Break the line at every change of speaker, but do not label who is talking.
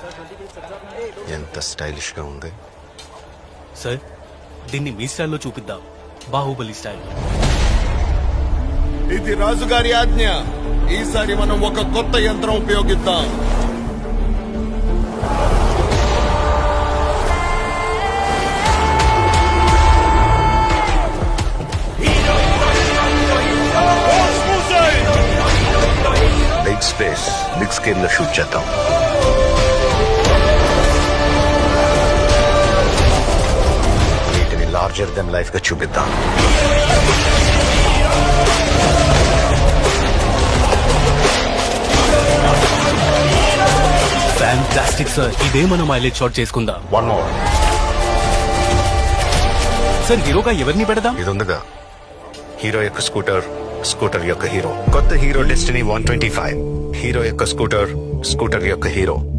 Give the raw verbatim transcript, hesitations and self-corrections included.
ఎంత స్టైలిష్ గా ఉంది.
సార్ దీన్ని మీ స్టైల్లో చూపిద్దాం, బాహుబలి స్టైల్.
ఇది రాజుగారి ఆజ్ఞ. ఈసారి మనం ఒక కొత్త యంత్రం ఉపయోగిద్దాం.
బిగ్ స్పేస్ బిగ్ స్కేల్ లో షూట్ చేద్దాం. వీటిని లార్జర్ దెన్ లైఫ్ గా చూపిద్దాం.
ఫ్యాంటాస్టిక్ సార్, ఇదే మనం మైలేజ్ షాట్ చేసుకుందాం.
One more.
సార్ హీరోగా ఎవరిని పెడదాం?
ఇది ఉందిగా, హీరో యొక్క స్కూటర్, స్కూటర్ యొక్క హీరో. కొత్త Hero Destiny one twenty five. Hero యొక్క స్కూటర్, స్కూటర్ యొక్క హీరో.